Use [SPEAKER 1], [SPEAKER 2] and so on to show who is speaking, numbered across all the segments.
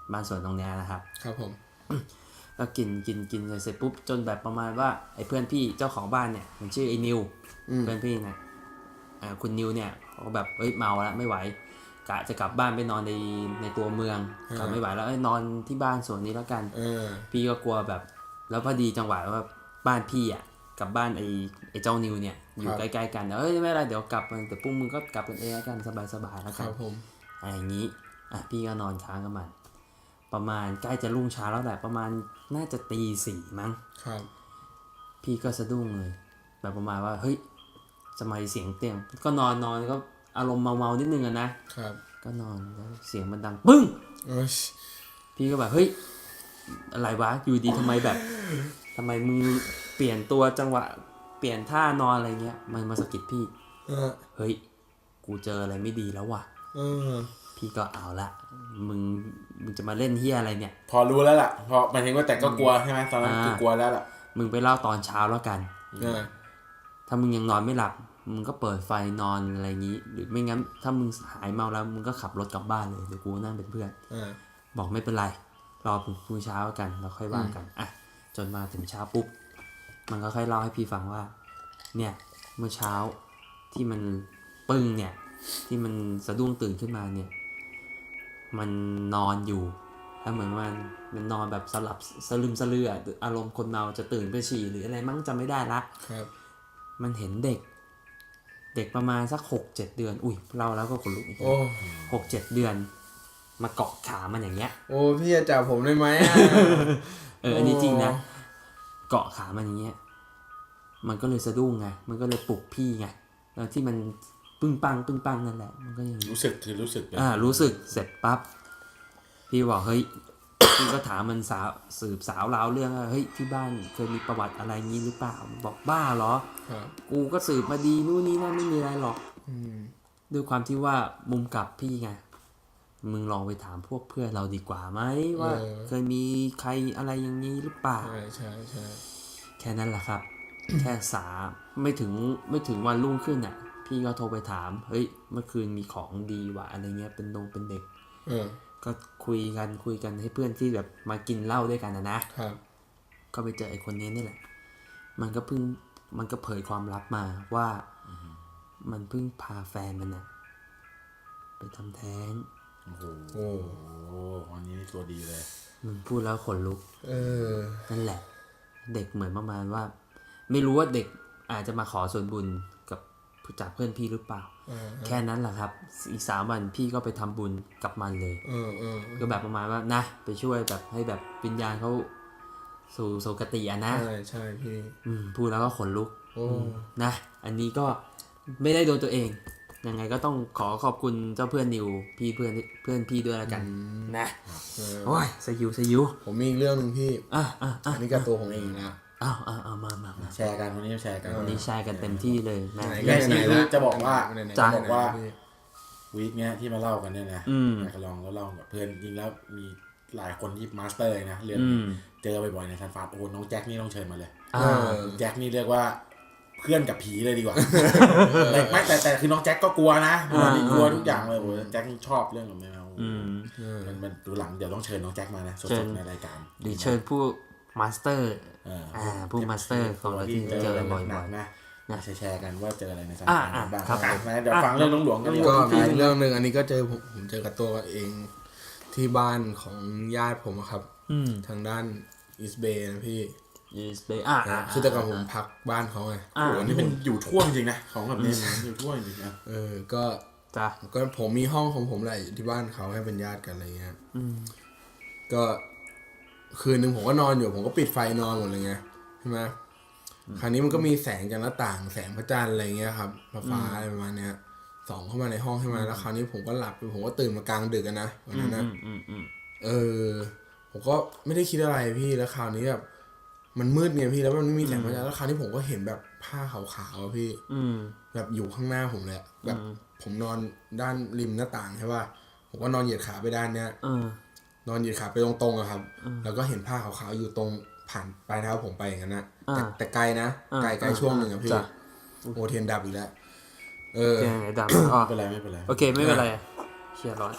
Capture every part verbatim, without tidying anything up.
[SPEAKER 1] บ้านสวนตรงนี้นะครับ
[SPEAKER 2] ครับผม
[SPEAKER 1] ก็กินกินกินเสร็จปุ๊บจนแบบประมาณว่าไอ้เพื่อนพี่เจ้าของบ้านเนี่ยมันชื่อไอ้นิวเพื่อนพี่นะอ่าคุณนิวเนี่ยเขาแบบเอ้ยเมาแล้วไม่ไหวกะจะกลับบ้านไปนอนในในตัวเมืองกลับไม่ไหวแล้วเอ้ยนอนที่บ้านสวนนี้แล้วกันพี่ก็กลัวแบบแล้วพอดีจังหวะว่าบ้านพี่อ่ะกับบ้านไอ้ไอ้เจ้านิวเนี่ยอยู่ใกล้ๆกันเอ้ยไม่เป็นไรเดี๋ยวกลับมันแต่พวกมึงก็กลับกันเองแล้วกันสบายๆแล้วกันอะไรอย่างนี้อ่ะพี่ก็นอนค้างกับมันประมาณใกล้จะรุ่งเช้าแล้วแหละประมาณน่าจะตีสี่มั้ง
[SPEAKER 2] ครับ
[SPEAKER 1] พี่ก็สะดุ้งเลยแบบประมาณว่าเฮ้ยทำไมเสียงเตียงก็นอนนอนก็อารมณ์เมาๆนิดนึงอะนะครับก็นอนแล้วเสียงมันดังปึ้งพี่ก็แบบเฮ้ยอะไรวะอยู่ดีทำไมแบบทำไมมึงเปลี่ยนตัวจังหวะเปลี่ยนท่านอนอะไรเงี้ยมันมาสะกิดพี่เฮ้ยกูเจออะไรไม่ดีแล้วว่ะพี่ก็เอาละมึงมึงจะมาเล่นเฮียอะไรเนี่ย
[SPEAKER 2] พอรู้แล้วล่ะพอหมายถึงว่าแต่ก็กลัวใช่ไหมตอนนั้นคือกลัวแล้วล่ะ
[SPEAKER 1] มึงไปเล่าตอนเช้าแล้วกันถ้ามึงยังนอนไม่หลับมึงก็เปิดไฟนอนอะไรอย่างนี้หรือไม่งั้นถ้ามึงหายเมาแล้วมึงก็ขับรถกลับบ้านเลยเดี๋ยวกูนั่งเป็นเพื่อนบอกไม่เป็นไรรอพรุ่งเช้ากันเราค่อยว่ากันอ่ะจนมาถึงเช้าปุ๊บมันก็ค่อยเล่าให้พี่ฟังว่าเนี่ยเมื่อเช้าที่มันปึ้งเนี่ยที่มันสะดุ้งตื่นขึ้นมาเนี่ยมันนอนอยู่แล้วเหมือนมันมันนอนแบบสลับสลืมสลืออารมณ์คนเมาจะตื่นไปฉี่หรืออะไรมั้งจำไม่ได้ละ
[SPEAKER 2] ครับ
[SPEAKER 1] มันเห็นเด็กเด็กประมาณสักหกเจ็ดเดือนอุ้ยเราแล้วก็ขนลุกอีกหกเจ็ดเดือนมาเกาะขามันอย่างเงี้ย
[SPEAKER 2] โอ้พี่จะจับผมได้ไหม
[SPEAKER 1] เอออันนี้จริงนะเกาะขามันอย่างเงี้ยมันก็เลยสะดุ้งไงมันก็เลยปลุกพี่ไงแล้วที่มันปึ้งปังปึ้งปังนั่นแหละมันก็ยัง
[SPEAKER 2] รู้สึกคือรู้สึก
[SPEAKER 1] อ่ารู้สึกเสร็จปั๊บพี่บอกเฮ้ย พี่ก็ถามมันสาวสืบสาวราวเรื่องว่าเฮ้ยที่บ้านเคยมีประวัติอะไรงี้หรือเปล่าบอกบ้าเหรอกูก็สืบมาดีนู่นนี่นั่นไม่มีอะไรหรอกด้วยความที่ว่ามุมกลับพี่ไงมึงลองไปถามพวกเพื่อนเราดีกว่าไหมว่าเคยมีใครอะไรอย่างนี้หรือเปล่า
[SPEAKER 2] ใช่ใช่ใช่
[SPEAKER 1] แค่นั้นแหละครับ แค่สาไม่ถึงไม่ถึงวันรุ่งขึ้นอ่ะพี่ก็โทรไปถามเฮ้ยเมื่อคืนมีของดีว่ะอะไรเงี้ยเป็นดงเป็นเด็กก็คุยกันคุยกันให้เพื่อนที่แบบมากินเหล้าด้วยกันนะนะครับก็ไปเจอไอ้คนนี้นี่แหละมันก็เพิ่งมันก็เผยความลับมาว่ามันเพิ่งพาแฟนมันนะไปทำแท้ง
[SPEAKER 2] โอ้โหโอ้โหวันนี้ตัวดีเลย
[SPEAKER 1] มึงพูดแล้วขนลุก
[SPEAKER 2] เออ
[SPEAKER 1] นั่นแหละเด็กเหมือนประมาณว่าไม่รู้ว่าเด็กอาจจะมาขอส่วนบุญกับจากเพื่อนพี่หรือเปล่าแค่นั้นแหละครับอีกสามวันพี่ก็ไปทำบุญกับมันเลยก็แบบประมาณว่านะไปช่วยแบบให้แบบวิญญาณเขาสู่โสกติอ่ะนะ
[SPEAKER 2] ใช่ใช่พี่
[SPEAKER 1] พูดแล้วก็ขนลุกนะอันนี้ก็ไม่ได้โดนตัวเองยังไงก็ต้องขอขอบคุณเจ้าเพื่อนนิวพี่เพื่อนเพื่อนพี่ด้วยละกันนะโอ้ยสยิวสยิว
[SPEAKER 2] ผมมีอีกเรื่องนึงพี่
[SPEAKER 1] อ่ะอ่ะ
[SPEAKER 2] อันนี้ก็ตัวผมเองนะ
[SPEAKER 1] อ้าวอ้าวเอามามามา
[SPEAKER 2] แชร์กันวันนี้แชร์กัน
[SPEAKER 1] วันนี้แชร์กันเต็มที่เลยนะ
[SPEAKER 2] ไหนๆแล้วจะบอกว่าจะบอกว่าวีคเนี้ยที่มาเล่ากันเนี่ยนะอยากจะลองแล้วเล่ากับเพื่อนจริงแล้วมีหลายคนที่มาสเตอร์นะเรียนเจอบ่อยๆในซันฟาร์โอ้น้องแจ็คนี่ต้องเชิญมาเลยแจ็คนี่เรียกว่าเพื่อนกับผีเลยดีกว่าไม่แต่แต่คือน้องแจ็คก็กลัวนะกลัวทุกอย่างเลยโอ้แจ็คชอบเรื่องของแมวมันมันดูหลังเดี๋ยวต้องเชิญน้องแจ็คมานะสดๆในรายการ
[SPEAKER 1] หรือเชิญผู้มาสเตอร์อ่าผู้มาสเตอร์ของเราที่เจอบ่อยๆ
[SPEAKER 2] นะแชร์กันว่าเจออะไรในสังคมบ้างครับเดี๋ยวฟังเรื่องหลวงๆกันดีกว่าก็เรื่องนึงอันนี้ก็เจอผมผมเจอกับตัวเองที่บ้านของญาติผมครับทางด้านอีสเบย์นะพี่
[SPEAKER 1] อีสเบย์อ่า
[SPEAKER 2] คือแต่ก่อนผมพักบ้านเขาไงโอ้นี่เป็นอยู่ทั่วจริงนะของแบบนี้อยู่ทั่วจริงนะเออก็
[SPEAKER 1] จ้ะ
[SPEAKER 2] ก็ผมมีห้องของผมแหละที่บ้านเขาให้เป็นญาติกันอะไรเงี้ยก็คืนนึงผมก็นอนอยู่ผมก็ปิดไฟนอนหมดเลยไงใช่ไหมคราวนี้มันก็มีแสงจากหน้าต่างแสงพระจันทร์อะไรเงี้ยครับฟ้าอะไรประมาณเนี้ยส่องเข้ามาในห้องใช่ไหมแล้วคราวนี้ผมก็หลับผมก็ตื่นมากลางดึกนะวันนั้นนะเออผมก็ไม่ได้คิดอะไรพี่แล้วคราวนี้แบบมันมืดไงพี่แล้วมันไม่มีแสงพระจันทร์แล้วคราวนี้ผมก็เห็นแบบผ้าขาวๆพี่แบบอยู่ข้างหน้าผมเลยแบบผมนอนด้านริมหน้าต่างใช่ป่ะผมก็นอนเหยียดขาไปด้านเนี้ยนอนเหยียดขาไปตรงๆอะครับแล้วก็เห็นผ้าขาวๆอยู่ตรงผ่านปลายเท้าผมไปอย่างนั้นนะแต่แต่ไกลนะไกลไกลช่วงหนึ่งอะพี่โอเทียนดับอีกแล้วเออ
[SPEAKER 1] ดับ
[SPEAKER 2] ไม่เป็นไรไม่เป็นไร
[SPEAKER 1] โอเคไม่เป็นไรเชียร์ร้อน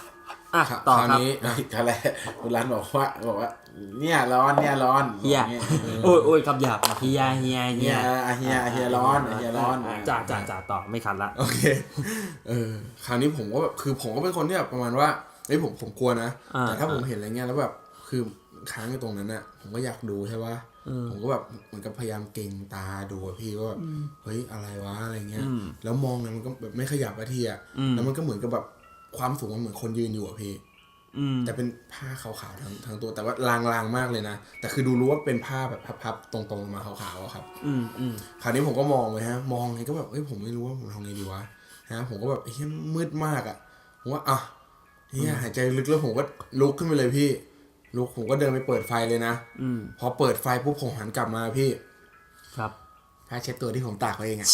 [SPEAKER 1] อ่ะต่อ
[SPEAKER 2] คราว
[SPEAKER 1] ครับ
[SPEAKER 2] นี้
[SPEAKER 3] อะไรคุณรันบอกว่าบอกว่าเนี่ยร้อนเนี่ยร้อน
[SPEAKER 1] เฮีย
[SPEAKER 3] นี่
[SPEAKER 1] โอ้ยโอ้ยคำหยาบเฮียเฮีย
[SPEAKER 3] เฮี
[SPEAKER 1] เฮี
[SPEAKER 3] ย
[SPEAKER 1] ย
[SPEAKER 3] อ่ะเฮียเฮียร้อนเฮียร้อน
[SPEAKER 1] จ่าจ่าจ่าต่อไม่คันละ
[SPEAKER 2] โอเคเออคราวนี้ผมก็แบบคือผมก็เป็นคนที่แบบประมาณว่าเฮ้ยผมผมกลัวนะ
[SPEAKER 1] อ่า
[SPEAKER 2] แต่ถ้าผมเห็นอะไรเงี้ยแล้วแบบคือค้างอยู่ตรงนั้นน่ะผมก็อยากดูใช่ปะผมก็แบบเหมือนกับพยายามเก่งตาดูอะพี่ว่าแบบเฮ้ยอะไรวะอะไรเงี้ย แล้วมองเนี่ยมันก็แบบไม่ขยับอะทีอะแล้วมันก็เหมือนกับแบบความสูงมันเหมือนคนยืนอยู่อะพี่แต่เป็นผ้าขาวๆทั้งทั้งตัวแต่ว่าลางๆมากเลยนะแต่คือดูรู้ว่าเป็นผ้าแบบพับๆตรงๆมาขาวๆอะครับ
[SPEAKER 1] อืมอืม
[SPEAKER 2] คราวนี้ผมก็มองไปฮะมองไงก็แบบเอ้ยผมไม่รู้ว่าผมทำไงดีวะฮะผมก็แบบเฮ้ยมืดมากอะผมว่าอ่ะเฮียหายใจลึกแล้วผมก็ลุกขึ้นไปเลยพี่ลุกผมก็เดินไปเปิดไฟเลยนะ
[SPEAKER 1] อืม
[SPEAKER 2] พอเปิดไฟปุ๊บผมหันกลับมาพี่
[SPEAKER 1] ครับ
[SPEAKER 2] ผ้าเช็ดตัวที่ผมตากไว้เองอะ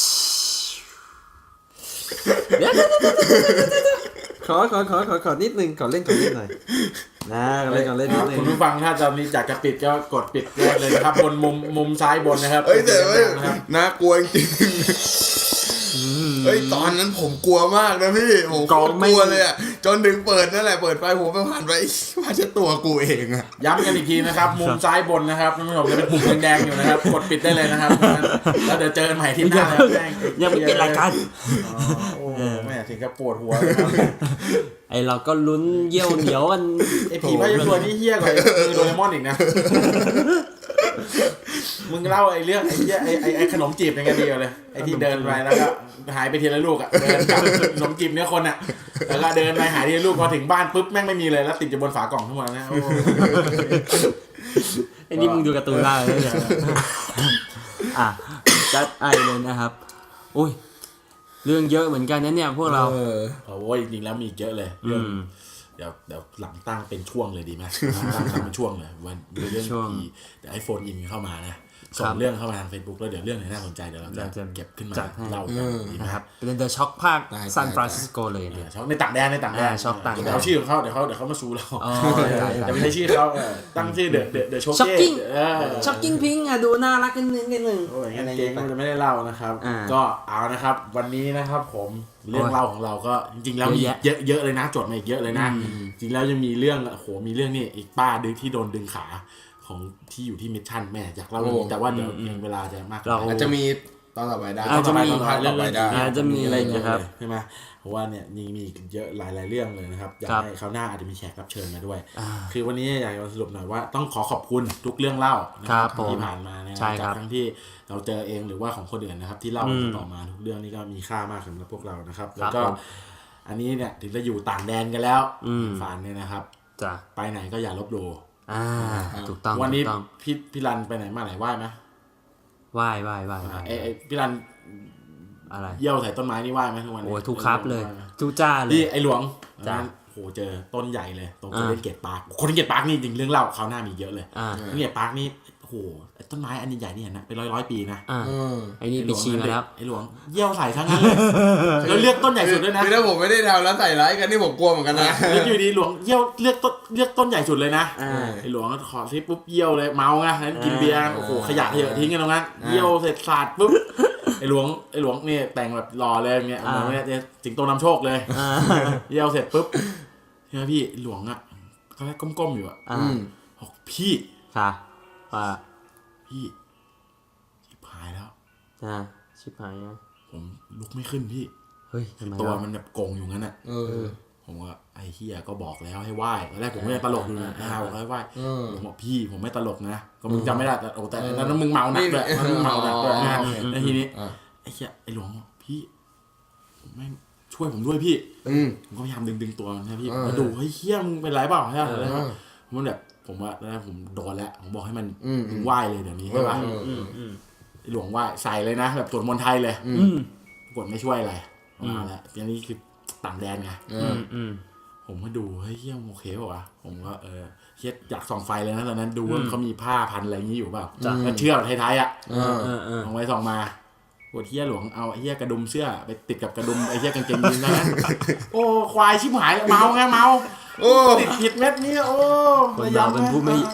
[SPEAKER 1] ขอขอขอขอขอนิดนึงขอเล่นขอเล่นหน่อยนะขอเล่นขอเล่นนิดนึง
[SPEAKER 3] คุณผู้ฟังถ้าตอนนี้จากจะปิดก็กดปิดได้เลยนะครับบนมุมมุมซ้ายบนนะครับ
[SPEAKER 2] เอ้ยแต่เอ้ย
[SPEAKER 3] นะครับ
[SPEAKER 2] น่ากลัวจริงเฮ้ยตอนนั้นผมกลัวมากนะพี่ผมโคตรกลัวเลยอะจนถึงเปิดนั่นแหละเปิดไฟผมไปผ่านไปผ้าเช็ดตัวกูเองอะ
[SPEAKER 3] ย้ำกันอีกทีนะครับ มุมซ้ายบนนะครับท่านผู้ชมจะเป็นปุ่มแดงๆอยู่นะครับกดปิดได้เลยนะครับแล้วเดี๋ยวเจอกันใหม่ที่หน้านะครับ
[SPEAKER 1] ยังไม่ปิดรายการ
[SPEAKER 3] อ๋อโอ้แม่ถึงกับปวดหัวเลยครับ
[SPEAKER 1] ไอเราก็ลุ้นเยี่ยวเหนียวกัน
[SPEAKER 3] ไอผีพายตัวนี้เฮี้ยกว่าไอ้มือโดเรมอนอีกนะมึงเล่าไอ้เรื่องไอ้เหี้ยไอ้ไอ้ไอ้ขนมจีบยังไงดีกว่าเลยไอ้ที่เดินไปแล้วก็หายไปทีละลูกอ่ะเดินกลับขนมจีบเนื้อคนอ่ะแล้วก็เดินไปหายทีละลูกพอถึงบ้านปุ๊บแม่งไม่มีเลยแล้วติดอยู่บนฝากล่องทั้งหมดนะโอ้
[SPEAKER 1] ไอ้นี่มึงดูการ์ตูนได้เลยเนี่ยอ่ะจัดไอเลยนะครับอุ้ยเรื่องเยอะเหมือนกันนะเนี่ยพวกเรา
[SPEAKER 2] เออ
[SPEAKER 3] โอ้ยจริงๆแล้วมีอีกเยอะเลยเรื่องเดี๋ยวเดี๋ยวหลังตั้งเป็นช่วงเลยดีไหมตั้งตั้งเป็นช่วงเลยวันเรื่อง
[SPEAKER 1] ช่วง
[SPEAKER 3] ผีเดี๋ยวไอโฟนอินเข้ามานะส่งเรื่องเข้ามาทาง Facebook แล้วเดี๋ยวเรื่องไหนน่าสนใจเดี๋ยวเราจะเก็บขึ้นมา
[SPEAKER 1] จัดให้
[SPEAKER 3] เล่ากันดีไหม
[SPEAKER 1] นะครับเป็นเดอะช็อคภาค
[SPEAKER 2] ได้
[SPEAKER 1] ซานฟรานซิสโกเลย
[SPEAKER 3] เดี๋
[SPEAKER 1] เนี่ย
[SPEAKER 3] วยช็อกในต่างแดนในต่างแดน
[SPEAKER 1] อ่าช็อกต่างแดน
[SPEAKER 3] เดี๋ยวเอาชื่อของเขาเดี๋ยวเขาเดี๋ยวเขามาชูเรา
[SPEAKER 1] อ๋อ
[SPEAKER 3] แต่ไม่ใช่ชื่อเขาเออตั้งชื่อเดอะเดอะเดอะโชเก้
[SPEAKER 1] Shocking
[SPEAKER 3] เออ
[SPEAKER 1] ช็อกกิ้งพิงอ่ะดูน่ารักกันนิดนึง
[SPEAKER 3] โอ้ยงั้นเก่งก็จะไม่ได้เล่านะครับ
[SPEAKER 1] อ่า
[SPEAKER 3] ก็เอานะครับ วันนี้นะครับผมเรื่องเล่าของเราก็จริงๆแล้วมี
[SPEAKER 1] เยอะแยะ
[SPEAKER 3] เยอะเยอะเลยนะจดมาอีกเยอะเลยนะ จริงแล้วยังมีเรื่องโอ้โหมีเรื่องนี่อีกป้าดึงที่โดนดึงขาของที่อยู่ที่มิชชั่นแม่อยากเล่าเรื่องนี้แต่ว่าเดี๋ยวยังเวลาจะมาก
[SPEAKER 1] เรา
[SPEAKER 2] อาจจะมีตอนต่อไปได้
[SPEAKER 1] อาจจะมี
[SPEAKER 2] ตอนต่อไปได้
[SPEAKER 1] อาจจะมี
[SPEAKER 3] อะไรอย่างเงี้ย
[SPEAKER 1] นะครับ
[SPEAKER 3] ใช่ไหมเพราะว่าเนี่ยยังมีอีกเยอะหลายๆเรื่องเลยนะครับอยาก
[SPEAKER 1] ครับ
[SPEAKER 3] ให้คราวหน้าอาจจะมีแขกรับเชิญมาด้วย
[SPEAKER 1] อ่า
[SPEAKER 3] คือวันนี้อยากจะสรุปหน่อยว่าต้องขอขอบคุณทุกเรื่องเล่านะครับ
[SPEAKER 1] ผม
[SPEAKER 3] ที่ผ่านมานะ
[SPEAKER 1] ใช่ค
[SPEAKER 3] จา
[SPEAKER 1] รั
[SPEAKER 3] ก
[SPEAKER 1] บ
[SPEAKER 3] ทั้งที่เราเจอเองหรือว่าของคนอื่นนะครับ ที่เล่า
[SPEAKER 1] อืม
[SPEAKER 3] ต่อมาทุกเรื่องนี่ก็มีค่ามากสำหรับพวกเรานะครับ
[SPEAKER 1] ครับ
[SPEAKER 3] แล้วก็
[SPEAKER 1] ผม
[SPEAKER 3] อันนี้เนี่ยถึงจะอยู่ต่างแดนกันแล้ว
[SPEAKER 1] อืม
[SPEAKER 3] ฝานเนี่ยนะครับ
[SPEAKER 1] จ้ะ
[SPEAKER 3] ไปไหนก็อย่าลบหลู่
[SPEAKER 1] อ่าถูกต้อง
[SPEAKER 3] วันนี้
[SPEAKER 1] ถูกต้อง
[SPEAKER 3] พี่พี่รันไปไหนมาไหนไหว้ไหม
[SPEAKER 1] ไหว้ไหว้ไหว้ไหว้
[SPEAKER 3] ไอ้ไอ้พี่รัน
[SPEAKER 1] อะไร
[SPEAKER 3] เยี่ยวใส่ต้นไม้นี่ไหว้ไหมทุกวันนี้
[SPEAKER 1] โอ้ยทุกครับเลย
[SPEAKER 3] ไหว้ไหม
[SPEAKER 1] ทุกจ้าเล
[SPEAKER 3] นี่
[SPEAKER 1] ย
[SPEAKER 3] ไอ้หลวง
[SPEAKER 1] จ้ะ
[SPEAKER 3] นั้นโหเจอต้นใหญ่เลยตรง
[SPEAKER 1] อ่า
[SPEAKER 3] คนเล่นเกตปาร์คคนเล่นเกตปาร์คนี่จริงเรื่องเล่าคราวหน้ามีเยอะเลย
[SPEAKER 1] อ่า
[SPEAKER 3] คนเล่นเกตปาร์คนี่โอ้โหไอ้ต้นไม้อันใหญ่ๆนี่นะเป็นร้อยร้อยๆปีนะ
[SPEAKER 1] อ่า
[SPEAKER 2] เออ
[SPEAKER 1] ไอ้นี่ไปชี้มาแล้ว
[SPEAKER 3] ไอ้หลวงเยี่ยวใส่ทั้งนั้นเลยแล้วเลือกต้นใหญ่สุดด้วยนะ
[SPEAKER 2] คือถ้าผมไม่ได้ทำแล้วใส่ร้ายกันนี่ผมกลัวเหมือนกันนะ
[SPEAKER 3] แล้วอยู่ดีหลวงเยี่ยวเลือกต้นเลือกต้นใหญ่สุดเลยนะ
[SPEAKER 1] อ่า
[SPEAKER 3] ไอ้หลวงก็ขอซิปุ๊บเยี่ยวเลยเมาไงนั้นกินเบียร์โอ้โหขยะเยอะทิ้งกันตรงนั้นเยี่ยวเสร็จสาดปุ๊บไอ้หลวงไอ้หลวงนี่แต่งแบบหล่อเลยเงี้ยเหมือนเนี่ยสิงโตนำโชคเลย
[SPEAKER 1] อ่า
[SPEAKER 3] เยี่ยวเสร็จปุ๊บใช่ไหมพี่หลวงอ่ะก็แค่ก้มๆอยู่อ่ะ
[SPEAKER 1] อ่า
[SPEAKER 3] บอกพี่
[SPEAKER 1] ค่ะว่า
[SPEAKER 3] พี่ชิบหายแล้ว
[SPEAKER 1] อ่าชิบหายอ่ะ
[SPEAKER 3] ผมลุกไม่ขึ้นพี่
[SPEAKER 1] เฮ้ยทำไม
[SPEAKER 3] ตัว
[SPEAKER 1] วะ
[SPEAKER 3] มันแบบโกงอยู่งั้นอ่ะ
[SPEAKER 2] เออ
[SPEAKER 3] ผมก็ไอ้เฮียก็บอกแล้วให้ไหว้ตอนแรกผมไม่ได้ตลกอยู่นะอ้าวบอกให้ไหว้
[SPEAKER 2] เออ
[SPEAKER 3] ผมบอกพี่ผมไม่ตลกนะก็มึงจำไม่ได้แต่โอ้แต่นั้นมึงเมาหนักด้วยนั้นมึงเมาหนักด้วยนะ
[SPEAKER 2] อ๋อ
[SPEAKER 3] แล้วทีนี้
[SPEAKER 2] อ่ะ
[SPEAKER 3] ไอ้เฮียไอ้หลวงบอกพี่ผมแม่งช่วยผมด้วยพี่
[SPEAKER 2] อืม
[SPEAKER 3] ผมก็พยายามดึงดึงตัวมันนะพี่
[SPEAKER 2] เออ
[SPEAKER 3] มาดูเฮ้ยเฮียมึงเป็นไรเปล่าใช่ไหม
[SPEAKER 2] เออ
[SPEAKER 3] มันแบบผมว่าแล้วผมโดนแล้วผมบอกให้มัน
[SPEAKER 2] อืม
[SPEAKER 3] มึงไหว้เลยเดี๋ยวนี้ใช่ป่ะ
[SPEAKER 2] เออเออ
[SPEAKER 1] อืม
[SPEAKER 3] ไอ้หลวงไหว้ใส่เลยนะแบบสวดมนต์ไทยเลย
[SPEAKER 1] อืม
[SPEAKER 3] กดไม่ช่วยอะไรมาแล้วอันนี้คือต่างแดนไง
[SPEAKER 2] เอ
[SPEAKER 1] อื
[SPEAKER 2] อ
[SPEAKER 1] มอืม
[SPEAKER 3] ผมก็ดูเฮ้ยเฮียโอเคป่าวะผมก็เออเฮียอยากส่องไฟเลยนะตอนนั้นดูว่าเขามีผ้าพันอะไรอย่างนี้อยู่เปล่าแล้วเชือกไทยๆอ่ะ
[SPEAKER 2] เออ
[SPEAKER 1] เออเออ
[SPEAKER 3] ส่องไปส่องมาปวดเฮียหลวงเอาไอ้เฮียกระดุมเสื้อไปติดกับกระดุมไอ้เฮียกางเกงยีนส์นะ โอ้ควายชิบหายเมาไงเมา
[SPEAKER 2] โอ้
[SPEAKER 3] ติดผิดเม็ดนี้โอ้
[SPEAKER 1] คนเราเป็นผู้ไม่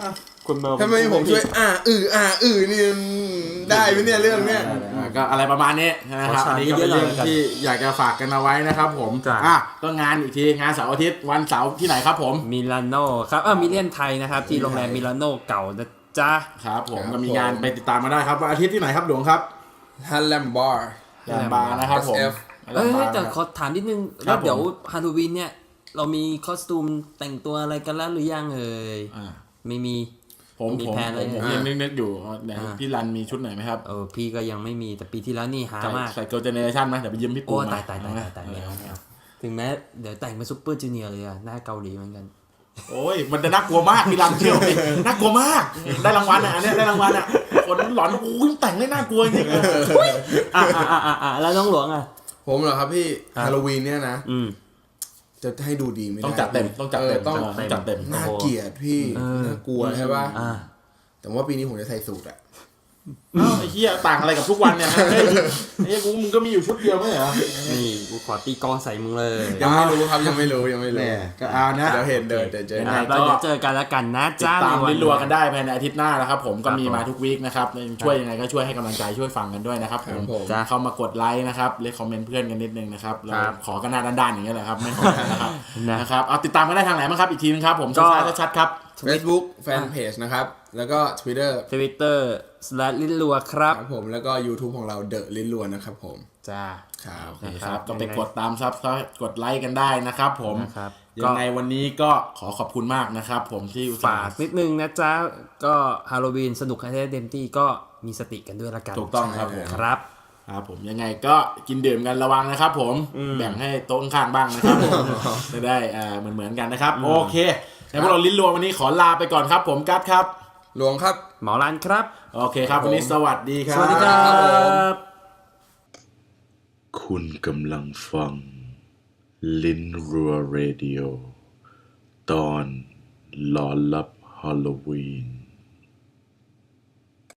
[SPEAKER 1] คนเมา
[SPEAKER 2] ถ้าไม่ผมช่วยอ่าอืออ่าอือนี่ได้ไหมเนี่ยเรื่องเนี้ย
[SPEAKER 3] ก็อะไรประมาณนี้นะครับอันนี้ก็เป็นเรื่องที่อยากจะฝากกันเอาไว้นะครับผมอ่ะก็งานอีกทีงานเสาร์อาทิตย์วันเสาร์ที่ไหนครับผม
[SPEAKER 1] มิลานโนครับเออมิเลียนไทยนะครับที่โรงแรมมิลานโนเก่านะจ๊ะ
[SPEAKER 3] ครับผมก็มีงานไปติดตามมาได้ครับวันอาทิตย์ที่ไหนครับหลวงครับ
[SPEAKER 2] ฮันแลมบาร์
[SPEAKER 3] แลมบาร์นะครับผม
[SPEAKER 2] เอส เอฟ
[SPEAKER 1] เอ้ยแต่ขอถามนิดนึง
[SPEAKER 3] ครั
[SPEAKER 1] แล้
[SPEAKER 3] บ
[SPEAKER 1] วเดี๋ยวฮาโลวีนเนี่ยเรามีคอสตูมแต่งตัวอะไรกันแล้วหรือยังเอ่ย
[SPEAKER 3] อ่า
[SPEAKER 1] ไม่มี
[SPEAKER 3] ผม
[SPEAKER 1] มี
[SPEAKER 3] ผม
[SPEAKER 1] แพลนอะไร
[SPEAKER 3] ผม
[SPEAKER 1] เนี่ย
[SPEAKER 3] ยังนึกๆอยู่ไหน
[SPEAKER 1] อ่า
[SPEAKER 3] พี่รันมีชุดไหนไหมครับ
[SPEAKER 1] เออพี่ก็ยังไม่มีแต่ปีที่แล้วนี่หา
[SPEAKER 3] ใส่
[SPEAKER 1] มาก
[SPEAKER 3] ใส่เกิร์ลเจเนอเรชั่นไหมเดี๋ยวไปยืมพี่ปู
[SPEAKER 1] โอ้
[SPEAKER 3] มา
[SPEAKER 1] ตายตายตายตายตายไม่เอาไม่เอาถึงแม้เดี๋ยวแต่งเป็นซุปเปอร์จูเนียร์เลยอะหน้าเกาหลีเหมือนกัน
[SPEAKER 3] โอ้ยมันจะน่ากลัวมากพี่รันเชื่อไหมน่ากลัวมากได้รางวัลอ่ะอันเนี้ยได้รางวัลอ่ะคนหลอนโอ้ยแต่งได้น่ากลัวจริงๆ
[SPEAKER 1] อ่ะอ่ะอ่ะอ่ะอ่ะแล้วน้องหลวงอ่ะ
[SPEAKER 2] ผมเหรอครับพี่
[SPEAKER 1] ครับ
[SPEAKER 2] ฮาโลวีนเนี่ยนะ
[SPEAKER 1] อืม
[SPEAKER 2] จะให้ดูดีไม่ได้
[SPEAKER 3] ต้องจัดเต็มต้องจัดเต็ม
[SPEAKER 2] ออต้อง
[SPEAKER 3] ต้องจัดเต็ม
[SPEAKER 2] น่าเกลียดพี่
[SPEAKER 1] เออ
[SPEAKER 2] น่ากลัวใช่ป่ะ
[SPEAKER 1] อ่า
[SPEAKER 2] แต่ว่าปีนี้ผมจะใส่สูทอะ
[SPEAKER 3] เอ้าไอ้เหี้ยต่างอะไรกับทุกวันเนี่ยเฮ้ยไอ้เหี้ยกูมึงก็มีอยู่ชุดเดียวไม่เหรอ
[SPEAKER 1] นี่กูขอตีกลองใส่มึงเลย
[SPEAKER 2] ยังไม่รู้ครับยังไม่รู้ยังไม่รู้
[SPEAKER 3] ก็เอานะ
[SPEAKER 2] เดี๋ยวเห็นเดินเดี๋ยวเจอ
[SPEAKER 1] อ่ะ
[SPEAKER 3] ก็
[SPEAKER 1] แล้วเดี๋ยวเจอกันแล้วกันนะ
[SPEAKER 3] ติด
[SPEAKER 1] จ้า
[SPEAKER 3] ตาม
[SPEAKER 1] ใวั
[SPEAKER 3] ลิ้นรัวกันได้ภายในอาทิตย์หน้านะครับผมก็มี
[SPEAKER 1] ครับผม
[SPEAKER 3] มาทุกวีคนะครับช่วยยังไงก็ช่วยให้กำลังใจช่วยฟังกันด้วยนะครับผม
[SPEAKER 2] ผม
[SPEAKER 1] จ้ะ
[SPEAKER 3] เข้ามากดไลค์นะครับเลคคอมเมนต์เพื่อนกันนิดนึงนะครับเรา
[SPEAKER 1] ครับ
[SPEAKER 3] ขอกันหน้าด้านๆอย่างเงี้ยแหละครับไม่ขอกันนะครับ
[SPEAKER 1] นะ
[SPEAKER 3] นะครับเอาติดตามกันได้ทางไหนบ้างครับอีกทีนึงครับผม
[SPEAKER 1] ก็
[SPEAKER 3] ช้าๆชัดๆครับ
[SPEAKER 2] Facebook แฟนเพจนะครับ แล้วก็ Twitter
[SPEAKER 1] ทวิตเตอร์สแลลิ้นรัวครับ
[SPEAKER 2] ครับผมแล้วก็ YouTube ของเราเดอะลิ้นล้วนนะครับผม
[SPEAKER 1] จ้า
[SPEAKER 2] ครับ
[SPEAKER 3] โอเคครับ
[SPEAKER 1] นะครับ
[SPEAKER 3] ก็ไป
[SPEAKER 1] ยังไง
[SPEAKER 3] กดตามซับกดไลค์กันได้นะครับผม
[SPEAKER 1] นะครับ
[SPEAKER 3] ยังไงวันนี้ก็ขอขอบคุณมากนะครับผมที่อุตส่า
[SPEAKER 1] ฝาก
[SPEAKER 3] ห์
[SPEAKER 1] นิดนึงนะจ๊ะ ก็ฮาโลวีนสนุกให้ได้เต็มที่ก็มีสติกันด้วยละกัน
[SPEAKER 3] ถูกต้องครับผม
[SPEAKER 1] ครับ
[SPEAKER 3] ครับผมยังไงก็กินดื่มกันระวังนะครับผมแบ่งให้โต๊ะข้างๆบ้างนะครับผมจะได้อ่าเหมือนเหมือนๆกันนะครับ โอเคในพวกเราลิ้นรวมวันนี้ขอลาไปก่อนครับผมกัสครับ
[SPEAKER 2] หลวงครับ
[SPEAKER 1] หมอรันครับ
[SPEAKER 3] โอเคครับวันนี้สวัสดีครับ
[SPEAKER 1] สวัสดีครับ
[SPEAKER 4] คุณกำลังฟัง ลิ้นรัวเรดิโอ ตอนหลอนลับฮาโลวีน